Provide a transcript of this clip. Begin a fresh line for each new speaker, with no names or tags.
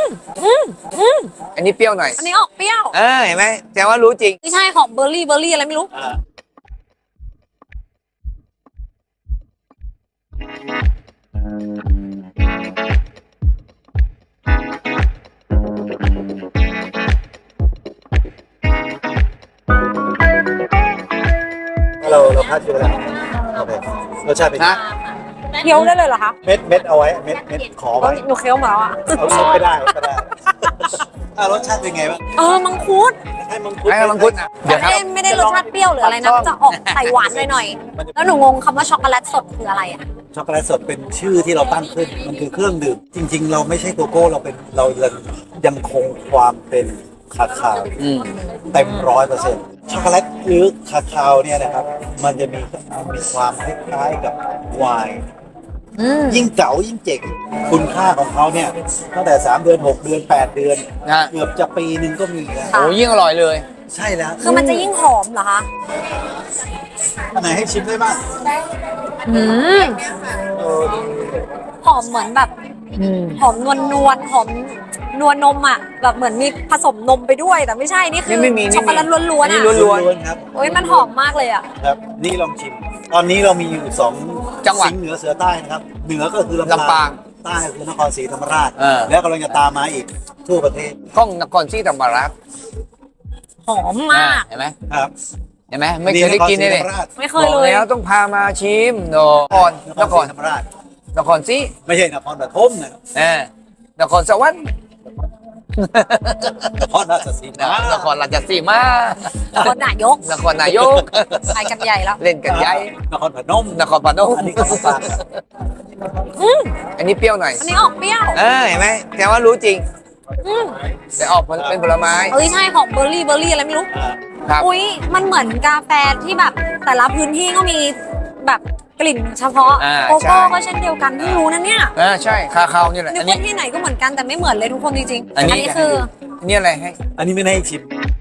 อันนี้เปรี้ยวหน่อย
อันนี้ออกเปรี้ยว
เห็นไหมแสดงว่ารู้จริง
ไม่ใช่ของเบอร์รี่อะไรไม่รู้
เราพลาดอยู่แล้วโอเครสชาติเป็นไง
เคี้ยวได้เลยเหรอคะ
เม็ดเอาไว้เม็ดขอไว้
หนูเคี้ยวมาแล้วอ่ะ
เอาไม่ได้รสชาติเป็นไงบ้าง
มังคุด
ให้มังคุด
นะ
เดี๋ยวไม่ได้รสชาติเปรี้ยวหรืออะไรนะจะออกใส่หวานหน่อยๆแล้วหนูงงคำว่าช็อกโกแลตสดคืออะไรอ่ะ
ช็อกโกแลตสดเป็นชื่อที่เราตั้งขึ้นมันคือเครื่องดื่มจริงๆเราไม่ใช่โกโก้เรายังคงความเป็นคาคาวเต็ม100%ช็อกโกแลตหรือคาคาวเนี่ยนะครับมันจะมีความคล้ายๆกับไวน์ยิ่งเก่ายิ่งเจ๋งคุณค่าของเขาเนี่ยตั้งแต่3 เดือน 6 เดือน 8 เดือนเกือบจะปีนึงก็มีแล้ว
โอ้ยิ่งอร่อยเลย
ใช่แล้ว
คือมันจะยิ่งหอมเหรอคะ
อันไหนให้ชิมได้บ้าง
หอมเหมือนแบบหอมนวลหอมนวลนมอ่ะแบบเหมือนมีผสมนมไปด้วยแต่ไม่ใช่นี่คือช็อกโกแลตล้วนๆอ่ะ
ล้วนๆครับ
โอ้ยมันหอมมากเลยอ่ะ
ครับนี่ลองชิมตอนนี้เรามีอยู่2จังหวัดเหนือเสือใต้นะครับเหนือก็คือลำปางใต้คือนครศรีธรรมราชแล้วกำลังจะตามมาอีกทั่วประเทศ
ก้องนครศรีธรรมราช
หอมมาก
เห็นไหม
ครับ
เห็นไหมไม่เคยได้กินเลย
ไม่เคยเลย
แล้วต้องพามาชิมนคร
ธรรมราช
นครศรี
ไม่ใช่นครปฐมนะ
นครสวรรค์
นครราชสีมาน
ครราชสีมาน
ครนายกไปกันใหญ่แล้ว
เล่นกันใหญ่
นครพนมอันนี้ก็ฝาก
อันนี้เปรี้ยวหน่อย
อันนี้ออกเปรี้ยว
เห็นไหมแสดงว่ารู้จริงแต่ออกเป็นผลไม้
ใช่ของเบอร์รี่อะไรไม่รู้อุ้ยมันเหมือนกาแฟที่แบบแต่ละพื้นที่ก็มีแบบกลิ่นเฉพาะโกโก้ก็เช่นเดียวกันเพิ่งรู้นะเนี่ย
ใช่คาคาวนี่แหละ
นึกว่าที่ไหนก็เหมือนกันแต่ไม่เหมือนเลยทุกคนจริงๆอันนี้คือ
นี่อะไรให้
อันนี้ไม่ให้ชิม